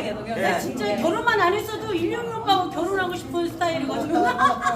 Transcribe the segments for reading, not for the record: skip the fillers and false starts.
편하게 동영. 예. 진짜 결혼만 안 했어도 일용이 오빠하고 결혼하고 싶은 스타일이거든요.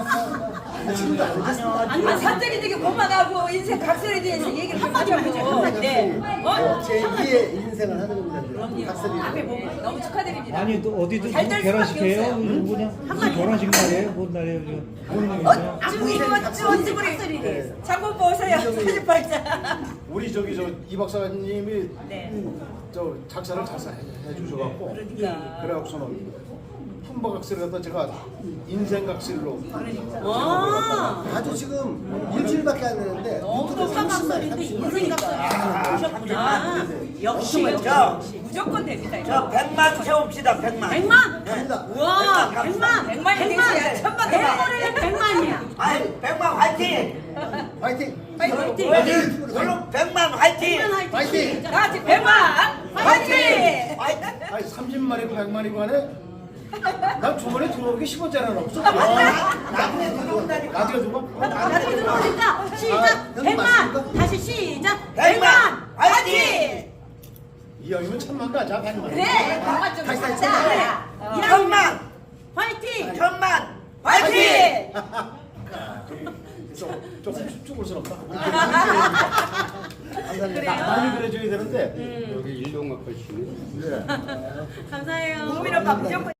아니면 사적이 되게 고만하고 인생 각설에 대해서 얘기를 한마디만 해줘요. 네. 제2의 인생을 하는 겁니다. 그럼요. 각설이. 앞에 뭐 너무 축하드립니다. 아니 또 어디든 잘될 결혼식해요? 수밖에 없어요. 그냥 무슨 결혼식 날이에요? 뭔 날이에요? 지금 지금 이거 언제부리 네. 장군 보세요. 사진 발자. 우리 저기 저 이 박사님이 네. 저 작사를 잘 해주셔갖고 그러니까. 그래갖고서는 품바각시를 갖다 제가 인생각시로 와. 아주 지금 일주일밖에 안 됐는데 너무 유튜브에 30만 깜깜소리인데 인생 각설이 보셨구나. 역시 저, 무조건 됩니다. 저 100만 채웁시다 100만. 100만. 갑니다. 우와, 갑시다. 100만. 100만이 되셔야 1000만 더 대머리는 100만이야. 아이 100만 화이팅. 화이팅! 화이팅. 그럼 100만 화이팅. 100만 화이팅! 다 같이 100만 화이팅! 화이팅. 아니 30만이고 100만이고 하네. 난 주머니에 들어오기 10원짜리는 없어. 나중에 들어온다니까. 나중에 누가? 나중에 들어오니까 시작. 형님 100만. 맞습니까? 다시 시작. 100만 100만. 화이팅. 이왕이면 천만 가자. 100만. 그래 100만 좀 다시 하자. 1000만. 화이팅. 1000만 화이팅. 조금 쭈글스럽다. 그래요? 많이 그래줘야 되는데. 여기 일용학 씨는 감사해요. 국민 오빠 무조건